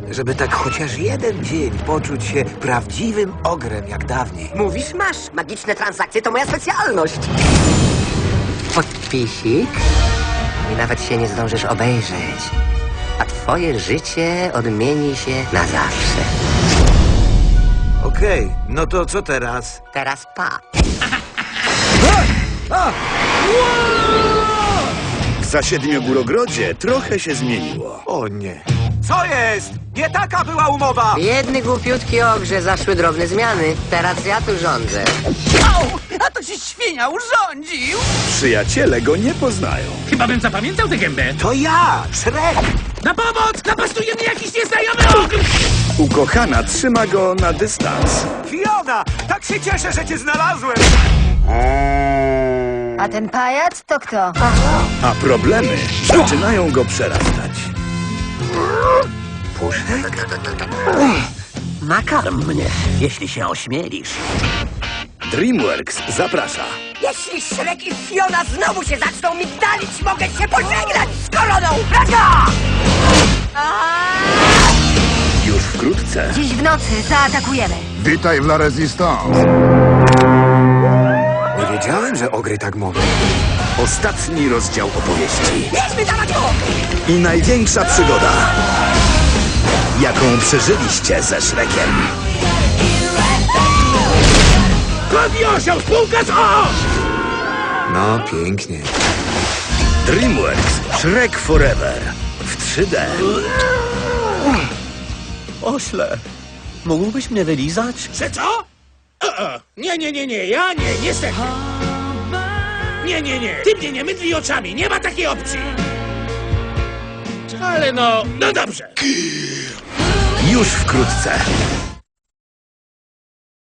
żeby tak chociaż jeden dzień poczuć się prawdziwym ogrem jak dawniej. Mówisz, masz. Magiczne transakcje to moja specjalność. Podpisik i nawet się nie zdążysz obejrzeć. A twoje życie odmieni się na zawsze. Okej, no to co teraz? Teraz pa. W Zasiedmiogórogrodzie trochę się zmieniło. O nie. Co jest? Nie taka była umowa! Jedny głupiutki ogrze zaszły drobne zmiany. Teraz ja tu rządzę. Au! A to się świnia urządził! Przyjaciele go nie poznają. Chyba bym zapamiętał tę gębę. To ja, Shrek! Na pomoc! Napastuje mnie jakiś nieznajomy ogr! Ukochana trzyma go na dystans. Fiona! Tak się cieszę, że cię znalazłem! A ten pajac to kto? A problemy zaczynają go przerastać. Nakarm mnie, jeśli się ośmielisz. DreamWorks zaprasza. Jeśli Shrek i Fiona znowu się zaczną migdalić, mogę się pożegnać z koroną, prawda? Już wkrótce. Dziś w nocy zaatakujemy. Witaj w La Resistance. Nie wiedziałem, że ogry tak mogą. Ostatni rozdział opowieści. Jedźmy dawać go! I największa przygoda, jaką przeżyliście ze Shrekiem. Kodni osioł, spółka z O! No, pięknie. DreamWorks Shrek Forever w 3D. Ośle, mógłbyś mnie wylizać? Że co? Nie, ja nie, niestety. Nie. Ty mnie nie mydli oczami, nie ma takiej opcji. Ale no dobrze. Już wkrótce.